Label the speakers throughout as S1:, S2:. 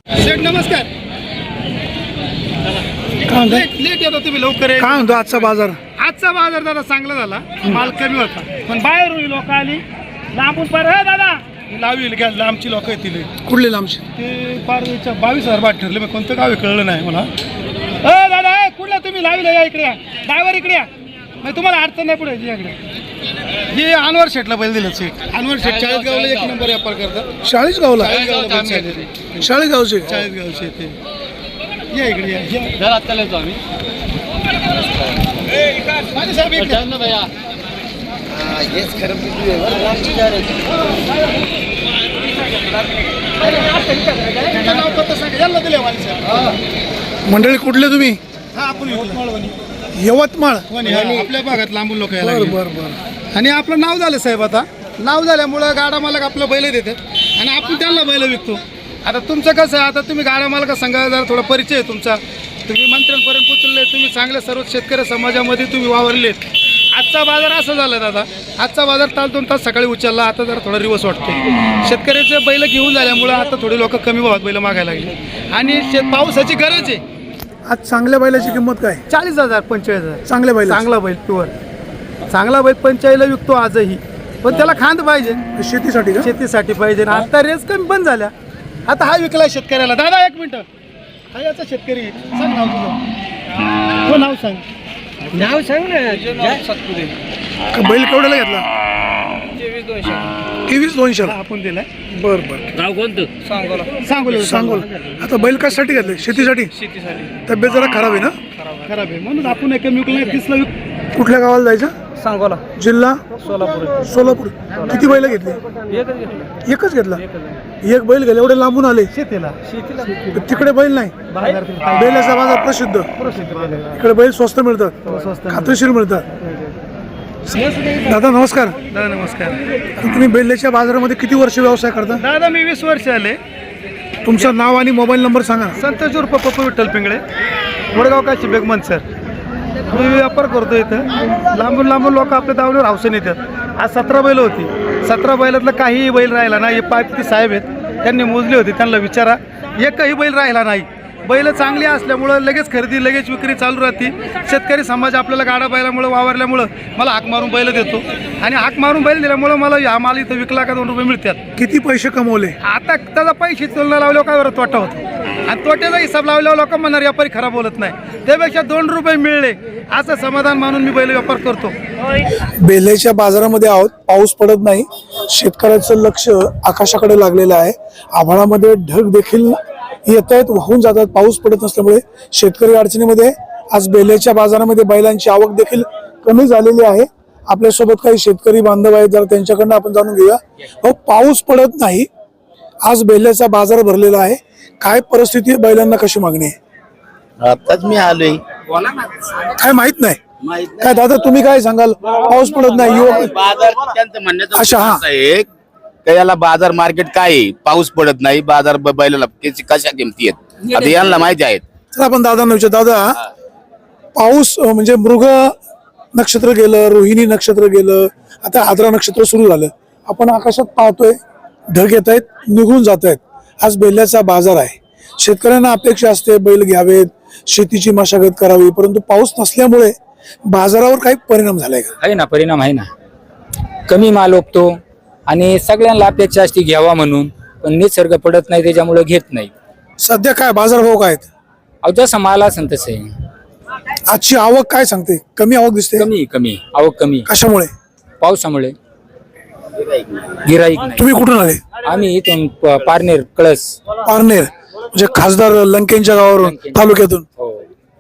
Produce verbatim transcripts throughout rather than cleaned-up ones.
S1: शेठ नमस्कार. Late late येतो तुम्ही लवकर.
S2: काय म्हणतो आजचा बाजार?
S1: आजचा बाजार दादा चांगला झाला, माल कमी होता, पण बाहेरून लोक आली लांबून पार. हे दादा लावी घ्या, लांबची लोक येतील.
S2: कुठले लांबचे?
S1: ते पारवीच्या बावीस हजार बाट ठरले. मग कोणतं गाव आहे कळलं नाही मला. अ दादा ए कुठला तुम्ही लावीला या, इकडे या ड्रायव्हर, इकडे या. मग तुम्हाला अडचण नाही पुढे इकडे. हे अनवर शेटला बैल दिलं. शेट अनवर शेट चाळीसगावला एक नंबर व्यापार करतात.
S2: चाळीसगावला?
S1: चाळीसगावला
S2: चाळीसगावचे
S1: चाळीसगावचे ते. या इकडे या.
S3: घरात चालतो आम्ही.
S1: माझे साहेब एक
S3: ना भैया. हेच खरं
S1: नाव पत्ता सांगा. याला दिले वाली साहेब.
S2: मंडळी कुठले तुम्ही?
S1: हा आपण यवतमाळ.
S2: यवतमाळ?
S1: आपल्या भागात लांबून लोक यायला
S2: बर
S1: लागले.
S2: बर बर.
S1: आणि आपलं नाव झालं साहेब. आता नाव झाल्यामुळं गाडा मालक आपलं बैल देतात आणि आपण त्यांना बैल विकतो. आता तुमचं कसं आहे, आता तुम्ही गाडा मालका सांगा जरा थोडा परिचय आहे तुमचा. तुम्ही मंत्र्यांपर्यंत पोचले, तुम्ही चांगले सर्व शेतकरी समाजामध्ये तुम्ही वावरलेत. आजचा बाजार असं झाला दादा. आजचा बाजार तास दोन तास सकाळी उचलला, आता जरा थोडा रिवर्स वाटतो. शेतकऱ्याचे बैल घेऊन झाल्यामुळं आता थोडी लोक कमी भावात बैल मागायला लागले आणि शेत पावसाची गरज आहे.
S2: आज चांगल्या बैलाची किंमत काय?
S1: चाळीस हजार पंचेचाळीस हजार
S2: चांगल्या बैल?
S1: चांगला बैल प्युअर चांगला बैल पंचाळीसला विकतो आजही. पण त्याला खांद पाहिजे,
S2: शेतीसाठी का?
S1: शेतीसाठी पाहिजे. आता रेस कमी बंद झाल्या. आता हा विकला शेतकऱ्याला. दादा एक मिनिट. हा याचा शेतकरी. सांग नाव तुझं. हो नाव सांग.
S3: नाव सांग ना. सातपुते.
S2: का बैल केवढ्याला घेतला?
S3: तेवीस दोनशे.
S2: तेवीस दोनशे
S1: आपण दिलाय.
S2: बर बर.
S3: गाव कोणतं? सांगोला.
S1: सांगू
S2: सांगोल. आता बैल कशासाठी घेतले? शेतीसाठी?
S3: शेतीसाठी.
S2: तब्येत जरा खराब आहे ना?
S1: खराब आहे म्हणून आपण एक विकला. तीसला विक.
S2: कुठल्या गावाला जायचं?
S3: सांगोला.
S2: जिल्हा?
S3: सोलापूर.
S2: सोलापूर. किती बैल घेतली?
S3: एकच घेतलं.
S2: एकच घेतला? एक बैल गेले. एवढे लांबून आले
S1: शेतीला.
S3: शेतीला.
S2: तिकडे बैल नाही? बैलाचा बाजार प्रसिद्ध. इकडे बैल स्वस्त मिळतात, खात्रीशीर मिळतात. दादा नमस्कार.
S1: दादा नमस्कार.
S2: तुम्ही बैलाच्या बाजारामध्ये किती वर्ष व्यवसाय करता?
S1: दादा मी वीस वर्ष आले.
S2: तुमचं नाव आणि मोबाईल नंबर सांगा.
S1: संतोष उर्फ पप्पू विठ्ठल पिंगळे, वडगाव काशी बेगमन सर. मी व्यापार करतो इथं. लांबून लांबून लोक आपल्या दावणीवर हौसेने येतात. आज सतरा बैल होती. सतरा बैलातलं काहीही बैल राहिला नाही. हे पाच साहेब आहेत, त्यांनी मोजली होती, त्यांना विचारा. एकही बैल राहिला नाही. बैल चांगली असल्यामुळं लगेच खरेदी लगेच विक्री चालू राहते. शेतकरी समाज आपल्याला गाडा बैलामुळं वावरल्यामुळं मला हाक मारून बैल देतो आणि हाक मारून बैल दिल्यामुळं मला हा माल इथं विकला का दोन रुपये मिळतात.
S2: किती पैसे कमवले?
S1: आता त्याचा पैसे तुलना लावल्यावर काय बरं तोटा होतो आणि तोट्याचा हिसाब लावल्यावर लोक म्हणणार व्यापारी खराब बोलत नाही. त्यापेक्षा दोन रुपये मिळले असं समाधान मानून मी बैल व्यापार करतो.
S2: बेल्याच्या बाजारामध्ये आहोत. पाऊस पडत नाही. शेतकऱ्याचं लक्ष आकाशाकडे लागलेलं आहे. आभाळामध्ये ढग देखील येत आहेत, वाहून जातात. पाऊस पडत नसल्यामुळे शेतकरी अडचणीमध्ये. आज बेल्याच्या बाजारामध्ये बैलांची आवक देखील कमी झालेली आहे. आपल्यासोबत काही शेतकरी बांधव आहेत, जरा त्यांच्याकडनं आपण जाणून घेऊया. हो, पाऊस पडत नाही, आज बेल्याचा बाजार भरलेला आहे. काय परिस्थिती आहे, बैलांना कशी मागणी आहे?
S4: आताच मी आलोय.
S2: काय माहित नाही काय दादा, तुम्ही काय सांगाल? पाऊस पडत नाही, युवक
S4: बाजार त्यांचं म्हणण्याचं
S2: अच्छा, हा.
S4: असं आहे का याला बाजार मार्केट काय आहे? पाऊस पडत नाही, बाजार ब- बैलाला किती- कशा किमती आहेत आता यांना माहिती आहेत.
S2: तर आपण दादांना विचार. दादा, पाऊस अं, म्हणजे मृग नक्षत्र गेलं, रोहिणी नक्षत्र गेलं, आता आद्रा नक्षत्र सुरू झालं. आपण आकाशात पाहतोय ढग येत आहेत, निघून जात आहेत. आज बैलाचा बाजार आहे. शेतकऱ्यांना अपेक्षा असते बैल घ्यावेत, शेतीची मशागत करावी, परंतु पाऊस नसल्यामुळे बाजारावर काही परिणाम झालाय का?
S5: आहे ना, परिणाम आहे ना. कमी माल ओपतो आणि सगळ्यांना अपेक्षा असते घ्यावा म्हणून, पण निसर्ग पडत नाही त्याच्यामुळे घेत नाही.
S2: सध्या काय बाजार भाव काय आहेत?
S5: अहो जसं माल असेल तसं आहे.
S2: आजची आवक काय सांगते? कमी आवक दिसते.
S5: कमी कमी आवक कमी.
S2: कशामुळे?
S5: पावसामुळे. गिराईक नाही.
S2: तुम्ही कुठून आले?
S5: आम्ही इथून प- पारनेर कळस.
S2: पारनेर म्हणजे खासदार लंकेंच्या गावावरून, तालुक्यातून.
S5: हो.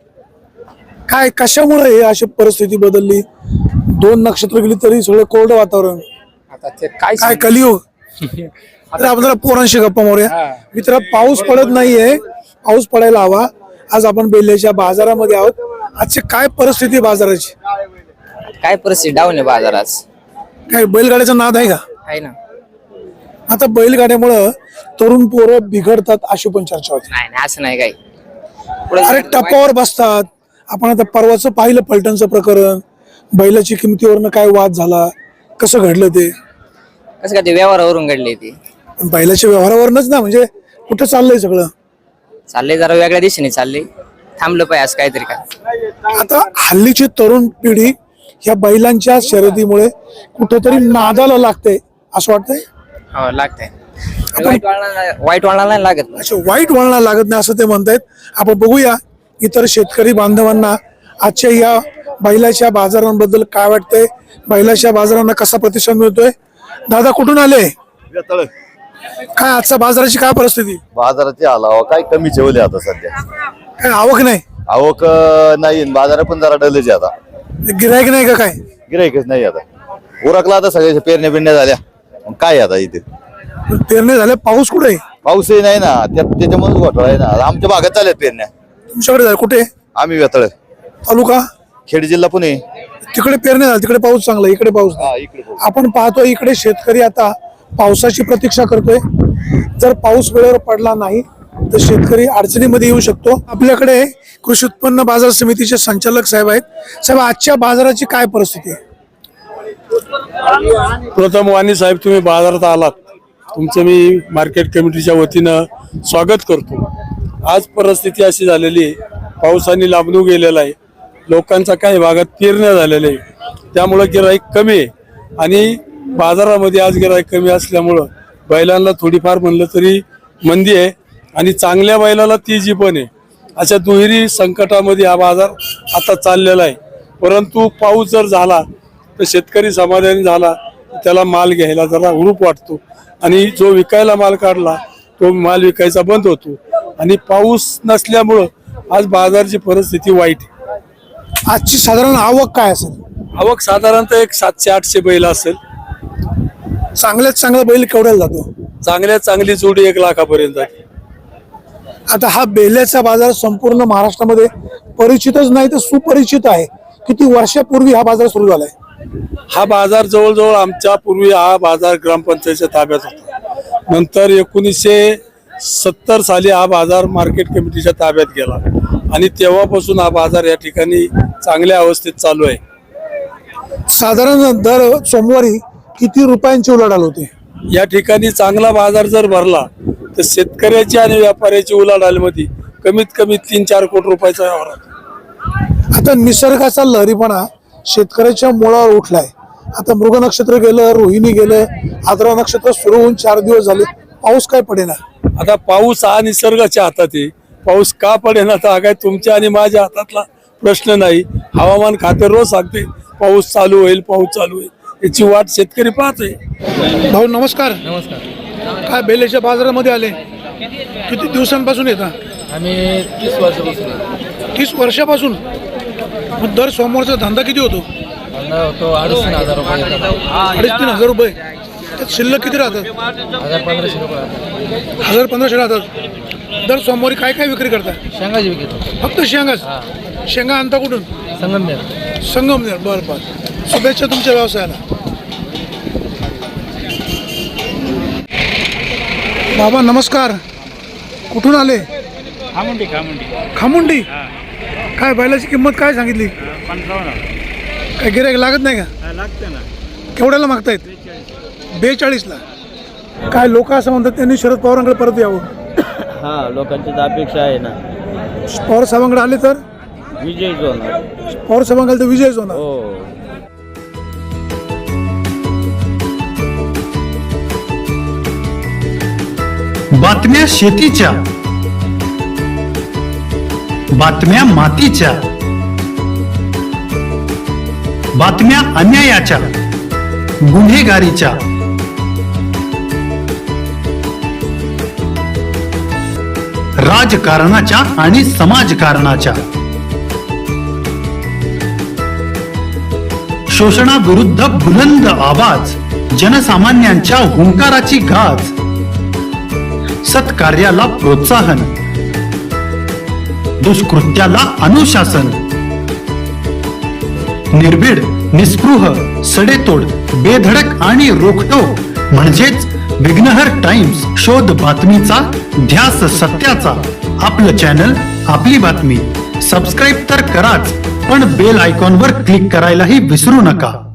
S2: काय कशामुळे हे अशी परिस्थिती बदलली? दोन नक्षत्र गेली तरी सगळं कोरडं वातावरण.
S5: आता ते काय
S2: काय कलियुग? तर आपण जरा पोरांशी गप्पा मारूया. मित्र, पाऊस पडत नाहीये, पाऊस पडायला हवा. आज आपण बेल्याच्या बाजारामध्ये आहोत. आजची काय परिस्थिती आहे बाजाराची?
S6: काय परिस्थिती डाऊन आहे बाजारात.
S2: काय बैलगाड्याचा नाद आहे का?
S6: आहे ना.
S2: आता बैलगाड्यामुळं तरुण पोरं बिघडतात अशी पण चर्चा होती.
S6: नाही नाही असं नाही काही.
S2: अरे टप्पावर बसतात. आपण आता परवाचं पाहिलं पलटणचं प्रकरण. बैलाची किमतीवरनं काय वाद झाला, कसं घडलं ते?
S6: कसं काय ते व्यवहारावरून घडले ते.
S2: बैलाच्या व्यवहारावरनच ना, म्हणजे कुठं चाललंय सगळं?
S6: चालले जरा वेगळ्या दिशेने चालले, थांबलं पाहिजे असं काहीतरी काय.
S2: आता हल्लीची तरुण पिढी ह्या बैलांच्या शर्यतीमुळे कुठेतरी नादाला लागते असं वाटतंय.
S6: हो लागतंय. वाईट वळणाला वाईट वळणाला नाही लागत.
S2: अच्छा, वाईट वळणाला लागत नाही असं ते म्हणतायत. आपण बघूया इतर शेतकरी बांधवांना आजच्या या बैलाच्या बाजारांबद्दल काय वाटतंय, बैलाच्या बाजारांना कसा प्रतिसाद मिळतोय. दादा कुठून आले, काय आजच्या बाजाराची काय परिस्थिती.
S7: बाजाराचे आलावा काय कमी ठेवले आता सध्या,
S2: काय आवक नाही,
S7: आवक अं, नाही बाजार पण जरा डलेचे आता,
S2: गिरायक नाही का काय.
S7: गिराईकच नाही आता, उरकला आता सगळ्या पेरण्या बिरण्या झाल्या, मग काय आता इथे
S2: पेरणी झाले, पाऊस कुठे आहे.
S7: पाऊसही नाही ना, त्याच्यामध्येच घोटाळा आहे ना. आमच्या भागात चालत पेरण्या,
S2: तुमच्याकडे झाले कुठे.
S7: आम्ही वेतळ
S2: तालुका
S7: खेड जिल्हा पुणे.
S2: तिकडे पेरणी झाली, तिकडे पाऊस चांगला, इकडे पाऊस नाही.
S7: हा, इकडे पाऊस.
S2: आपण पाहतो इकडे शेतकरी आता पावसाची प्रतीक्षा करतोय. जर पाऊस वेळेवर पडला नाही तर शेतकरी अडचणीमध्ये येऊ शकतो. आपल्याकडे कृषी उत्पन्न बाजार समितीचे संचालक साहेब आहेत. साहेब, आजच्या बाजाराची काय परिस्थिती आहे.
S8: प्रथम वाणी साहेब, तुम्ही बाजारात आलात, तुमचं मी मार्केट कमिटीच्या वतीनं स्वागत करतो. आज परिस्थिती अशी झालेली आहे, पावसाने लांबून गेलेला आहे, लोकांचा काही भागात पेरण्या झालेल्या आहे, त्यामुळं गिराईक कमी आहे. आणि बाजारामध्ये आज गिराईक कमी असल्यामुळं बैलांना थोडीफार म्हणलं तरी मंदी आहे आणि चांगल्या बैलाला तेजी पण आहे. अशा दुहेरी संकटामध्ये हा बाजार आता चाललेला आहे. परंतु पाऊस जर झाला तर शेतकरी समाधानी झाला, त्याला माल घ्यायला जरा हुरूप वाटतो आणि जो विकायला माल काढला तो माल विकायचा बंद होतो. आणि पाऊस नसल्यामुळं आज बाजारची परिस्थिती वाईट आहे.
S2: आजची साधारण आवक काय असेल.
S8: आवक साधारणतः एक सातशे आठशे बैल असेल.
S2: चांगल्यात चांगला बैल केवढ्याला जातो.
S8: चांगल्यात चांगली जोडी एक लाखापर्यंत आहे.
S2: आता हा बेल्याचा बाजार संपूर्ण महाराष्ट्रामध्ये परिचितच नाही तर सुपरिचित आहे. किती वर्षापूर्वी हा बाजार सुरू झालाय.
S8: हा बाजार जवळजवळ आमच्या पूर्वी हा बाजार ग्रामपंचायतीच्या ताब्यात होता. नंतर एकोणीसशे सत्तर साली हा बाजार मार्केट कमिटीच्या ताब्यात गेला आणि तेव्हापासून हा बाजार या ठिकाणी चांगल्या अवस्थेत चालू आहे.
S2: साधारण दर सोमवारी किती रुपयांची उलाढाल होते.
S8: या ठिकाणी चांगला बाजार जर भरला तर शेतकऱ्याची आणि व्यापाऱ्याची उलाढालमध्ये कमीत कमी तीन चार कोटी रुपयाचा व्यवहार होतो.
S2: आता निसर्गाचा लहरीपणा शेतकऱ्याच्या मुळावर उठलाय. आता मृग नक्षत्र गेलं, रोहिणी गेलं, आद्रा नक्षत्र सुरू होऊन चार दिवस झाले, पाऊस काय पडेना.
S8: आता पाऊस हा निसर्गाच्या हातात आहे. पाऊस का पडेना तर हा काय तुमच्या आणि माझ्या हातातला प्रश्न नाही. हवामान खाते रोज सांगते पाऊस चालू होईल, पाऊस चालू होईल, याची वाट शेतकरी पाहतोय.
S2: भाऊ नमस्कार. नमस्कार. काय बेल्याच्या बाजारामध्ये आले, किती दिवसांपासून येतात.
S3: आम्ही तीस वर्षापासून
S2: तीस वर्षापासून. मग दर सोमवारचा धंदा किती होतो.
S3: होतो अडीच तीन हजार रुपये
S2: अडीच तीन हजार रुपये. त्यात शिल्लक किती राहतात.
S3: हजार पंधराशे रुपये
S2: हजार पंधराशे राहतात. दर सोमवारी काय काय विक्री करता.
S3: शेंगाची विकतो.
S2: फक्त शेंगाच. शेंगा आणता कुठून.
S3: संगमनेर.
S2: संगमनेर. बरं बरं. शुभेच्छा तुमच्या व्यवसायाला. बाबा नमस्कार. कुठून आले.
S9: खामुंडी खामुंडी
S2: खामुंडी. काय बैलाची किंमत काय सांगितली. काय गिऱ्हाईक लागत नाही का.
S9: लागते ना.
S2: केवढ्याला मागतायत. बेचाळीसला. काय लोक असं म्हणतात त्यांनी शरद पवारांकडे परत यावं.
S9: हा लोकांची तर अपेक्षा आहे ना.
S2: पवार साहेबांकडे आले तर
S9: विजय होणार.
S2: पवार साहेबांकडे तर विजयच होणार.
S9: हो.
S10: बातम्या शेतीच्या, बातम्या मातीच्या, बातम्या अन्यायाच्या, गुन्हेगारीच्या, राजकारणाच्या आणि समाजकारणाच्या, शोषणाविरुद्ध बुलंद आवाज, जनसामान्यांच्या हुंकाराची गाज, सत्कार्याला प्रोत्साहन, दुष्कृत्याला अनुशासन, निर्भीड, निस्पृह, सडेतोड, बेधडक आणि रोखटोक म्हणजेच विघ्नहर टाइम्स. शोध बातमीचा, ध्यास सत्याचा. आपलं चॅनल, आपली बातमी. सबस्क्राईब तर कराच, पण बेल आयकॉनवर क्लिक करायलाही विसरू नका.